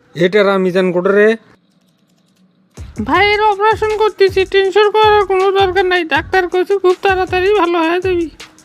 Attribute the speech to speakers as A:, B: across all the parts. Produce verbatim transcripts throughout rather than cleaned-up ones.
A: এটারা মিজান কোটরে
B: ভাইয়ের অপারেশন করতেছি, টেনশন করার কোনো দরকার নাই। ডাক্তার কইছে খুব তাড়াতাড়ি ভালো হয়ে যাবি।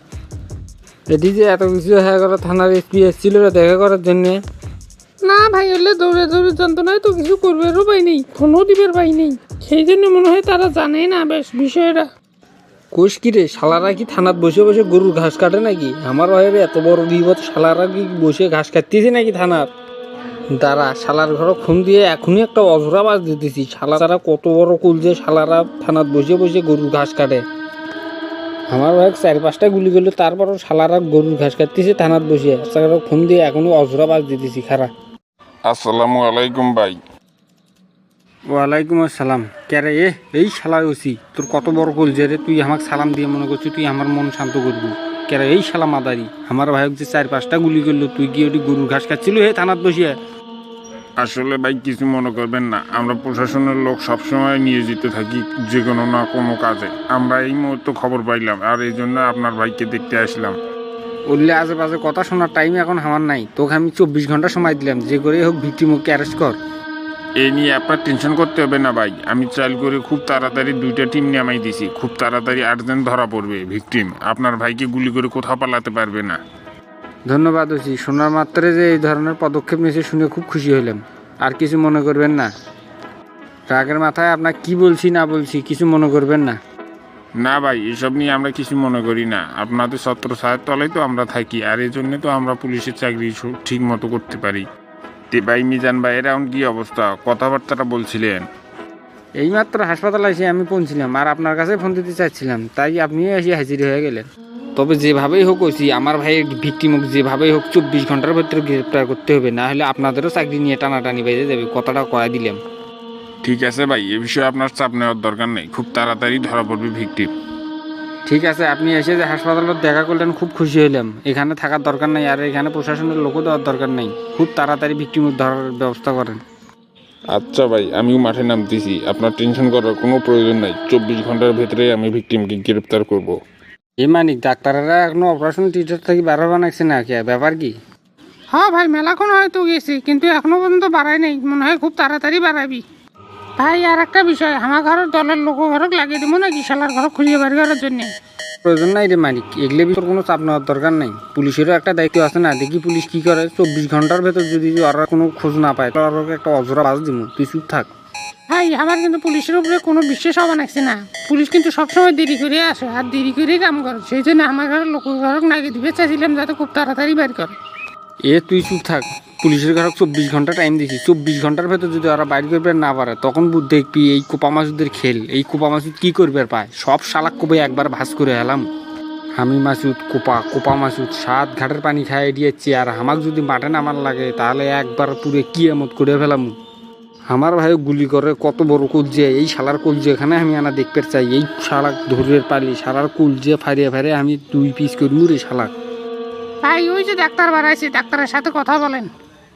A: এটি যে এত কিছু হয়ে গেল, থানার এসপি এসেছিল দেখা করার জন্যে।
B: না ভাই, হলে দৌড়ে দৌড়ে যন্ত্রণায় তো কিছু করবেরও পাই নেই, ফোনও দিবের পাই নেই। সেই জন্য মনে হয় তারা জানে না বেশ বিষয়টা।
A: কোষ কি রে, শালারা কি থানাত বসে বসে গরুর ঘাস কাটে নাকি? আমার ভাইয়ের এত বড় বিপদ, শালারা কি বসে ঘাস কাটতেছে নাকি থানার? দাঁড়া, শালার ঘর খুন দিয়ে এখনই একটা অজরা বাজ দিতেছি। শালারা কত বড় কুল যে শালারা থানাত বসে বসে গরুর ঘাস কাটে। আমার ভাই চার পাঁচটা গুলি করলো, তারপরও শালারা গরুর ঘাস কাটতেছে থানাত বসে। শালারা খুন দিয়ে এখনই অজরা বাজ দিতেছি। খারা
C: আসসালামু আলাইকুম ভাই।
A: ওয়ালাইকুম আসসালাম। ক্যারে এ এই শালা ওসি, তোর কত বড় কুল যে রে, তুই আমাকে সালাম দিয়ে মনে করছিস তুই আমার মন শান্ত করবি? ক্যারে এই শালা মাদারি, আমার ভাইক যে চার পাঁচটা গুলি করলো, তুই কি ওটি গরুর ঘাস খাচ্ছিল হে থানাত বসিয়ে?
C: আসলে ভাই কিছু মনে করবেন না, আমরা প্রশাসনের লোক সবসময় নিয়োজিত থাকি যে কোনো না কোনো কাজে। আমরা এই মুহূর্তে খবর পাইলাম আর এই জন্য আপনার ভাইকে দেখতে আসলাম।
A: বললে আশেপাশে কথা শোনার টাইম এখন আমার নাই। তোকে আমি চব্বিশ ঘন্টা সময় দিলাম, যে করে হোক ভিক্টিমকে অ্যারেস্ট কর।
C: এই নিয়ে আপনার টেনশন করতে হবে না ভাই, আমি চাল করে খুব তাড়াতাড়ি দুইটা টিম নামাই দিছি। খুব তাড়াতাড়ি আর্জেন্ট ধরা পড়বে ভিকটিম। আপনার ভাইকে গুলি করে কোথাও পালাতে পারবে না।
A: ধন্যবাদ ওসি, শোনার মাত্রে যে এই ধরনের পদক্ষেপ নিয়েছে শুনে খুব খুশি হলাম। আর কিছু মনে করবেন না, রাগের মাথায় আপনার কি বলছি না বলছি কিছু মনে করবেন না।
C: না ভাই, এসব নিয়ে আমরা কিছু মনে করি না। আপনাদের ছত্র ছায়ার তলেই তো আমরা থাকি, আর এই জন্য তো আমরা পুলিশের চাকরি ঠিক মতো করতে পারি। তে ভাই মিজান ভাই, এর এখন কি অবস্থা? কথাবার্তাটা বলছিলেন।
A: এইমাত্র হাসপাতালে এসে আমি পৌঁছিলাম, আর আপনার কাছে ফোন দিতে চাচ্ছিলাম, তাই আপনিও এসে হাজির হয়ে গেলেন। তবে যেভাবেই হোক ওসি, আমার ভাইয়ের ভিক্টিমক যেভাবেই হোক চব্বিশ ঘন্টার ভেতরে গ্রেপ্তার করতে হবে, না হলে আপনাদেরও চাকরি নিয়ে টানাটানি বেজে যাবে। কথাটা কয়া দিলাম।
C: ঠিক আছে ভাই, এ বিষয়ে আপনার চাপ নেওয়ার দরকার নেই, খুব তাড়াতাড়ি ধরা পড়বে ভিকটিম।
A: ঠিক আছে, আপনি এসে যে হাসপাতালত দেখা করলেন খুব খুশি হলাম। এখানে থাকার দরকার নেই, আর এখানে প্রশাসনের লোকও দেওয়ার দরকার নেই। খুব তাড়াতাড়ি ভিক্টিমক ধরার ব্যবস্থা করেন।
C: আচ্ছা ভাই, আমিও মাঠে নামতেছি, আপনার টেনশন করার কোনো প্রয়োজন নাই। চব্বিশ ঘন্টার ভেতরে আমি ভিকটিমকে গ্রেপ্তার করব।
A: এ মানিক, ডাক্তাররা এখনো অপারেশন থিয়েটার থেকে বেরো বানাচ্ছে না কে? ব্যাপার কি?
B: হ্যাঁ ভাই, মেলাক্ষণ হয়তো গেছি, কিন্তু এখনো পর্যন্ত বাড়াই নেই। মনে হয় খুব তাড়াতাড়ি বাড়াবি। ভাই আর একটা বিষয়, আমার ঘরের দলের লোক ঘরক লাগিয়ে দিব নাকি শালার ঘর খুঁজে বাড়ি করার জন্য?
A: প্রয়োজন নাই রে মানিক, এগুলো ভিতর কোনো চাপ নেওয়ার দরকার নাই। পুলিশেরও একটা দায়িত্ব আছে না? দেখি পুলিশ কি করে। চব্বিশ ঘন্টার ভেতর যদি ওরা কোনো খোঁজ না পায়, তো ওরা একটা অজরা বাজ দিব। তুই চুপ থাক।
B: ভাই আমার কিন্তু পুলিশের উপরে কোনো বিশ্বাস হওয়া লাগছে না। পুলিশ কিন্তু সবসময় দেরি করে আসে, আর দেরি করেই কাম করে। সেই জন্য আমার ঘরের লোক ঘরক লাগিয়ে দিবে চাইছিলাম, যাতে খুব তাড়াতাড়ি বের করে।
A: এ তুই চুপ থাক। পুলিশের ঘরে চব্বিশ ঘন্টা টাইম দিছি, চব্বিশ ঘন্টার ভেতর যদি ওরা বাইর করবে না পারে, তখন বুঝ দেখবি এই কোপা মাসুদের খেল। এই কোপা মাসুদ কি করবে পায়? সব শালাক কোপে একবার ভাস করে এলাম। আমি মাসুদ কোপা, কোপা মাসুদ সাত ঘাটের পানি খাইয়ে দিয়েছি। আর আমাকে যদি মাঠে নামার লাগে, তাহলে একবার পুরে কি এমত করে ফেলাম। আমার ভাই গুলি করে কত বড় কুলজে, এই শালার কুলজে এখানে আমি আনা দেখতে চাই। এই শালাক ধরের পালি শালার কুলজে ফারিয়ে ফারিয়ে আমি দুই পিস করবো রে শালাক।
B: ভাই ওই যে ডাক্তার বাড়াইছে, ডাক্তারের সাথে কথা বলেন।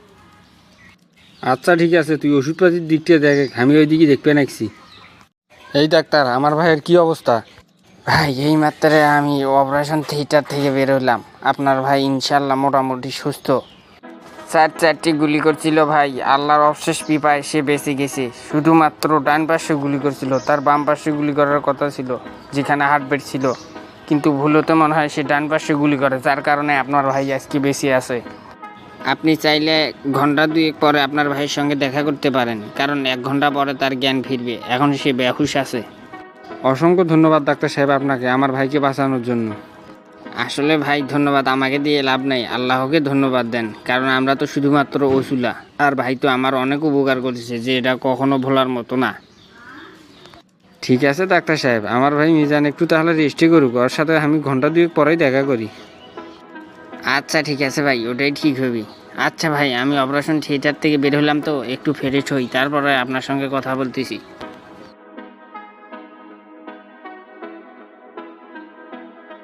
A: আচ্ছা ঠিক আছে, তুই ওষুধপাতির দিকটা দেখ, আমি ওই দিকে দেখতে নাকছি। এই ডাক্তার, আমার ভাইয়ের কি অবস্থা?
D: ভাই এই মাত্র আমি অপারেশন থিয়েটার থেকে বেরোলাম। আপনার ভাই ইনশাল্লাহ মোটামুটি সুস্থ। চার চারটি গুলি করছিল ভাই, আল্লাহর অবশেষ কৃপায় সে বেঁচে গেছে। শুধুমাত্র ডান পাশে গুলি করছিল, তার বাম পাশে গুলি করার কথা ছিল যেখানে হার্টবিট ছিল, কিন্তু ভুলতে মনে হয় সে ডান পাশে গুলি করে, যার কারণে আপনার ভাই আজকে বেঁচে আছে। আপনি চাইলে ঘন্টা দুয়েক পরে আপনার ভাইয়ের সঙ্গে দেখা করতে পারেন, কারণ এক ঘন্টা পরে তার জ্ঞান ফিরবে। এখন সে বেহুশ আছে।
A: অসংখ্য ধন্যবাদ ডাক্তার সাহেব আপনাকে আমার ভাইকে বাঁচানোর জন্য।
D: আসলে ভাই ধন্যবাদ আমাকে দিয়ে লাভ নাই, আল্লাহকে ধন্যবাদ দেন, কারণ আমরা তো শুধুমাত্র ওসুলা। আর ভাই তো আমার অনেক উপকার করেছে, যে এটা কখনো ভোলার মতো না।
A: ঠিক আছে ডাক্তার সাহেব, আমার ভাই মিজান একটু তাহলে রেস্টে করুক, ওর সাথে আমি ঘন্টা দুয়েক পরেই দেখা করি।
D: আচ্ছা ঠিক আছে ভাই, ওটাই ঠিক হবে। আচ্ছা ভাই, আমি অপারেশন থিয়েটার থেকে বের হলাম, তো একটু ফ্রেশ হই, তারপরে আপনার সঙ্গে কথা বলতেছি।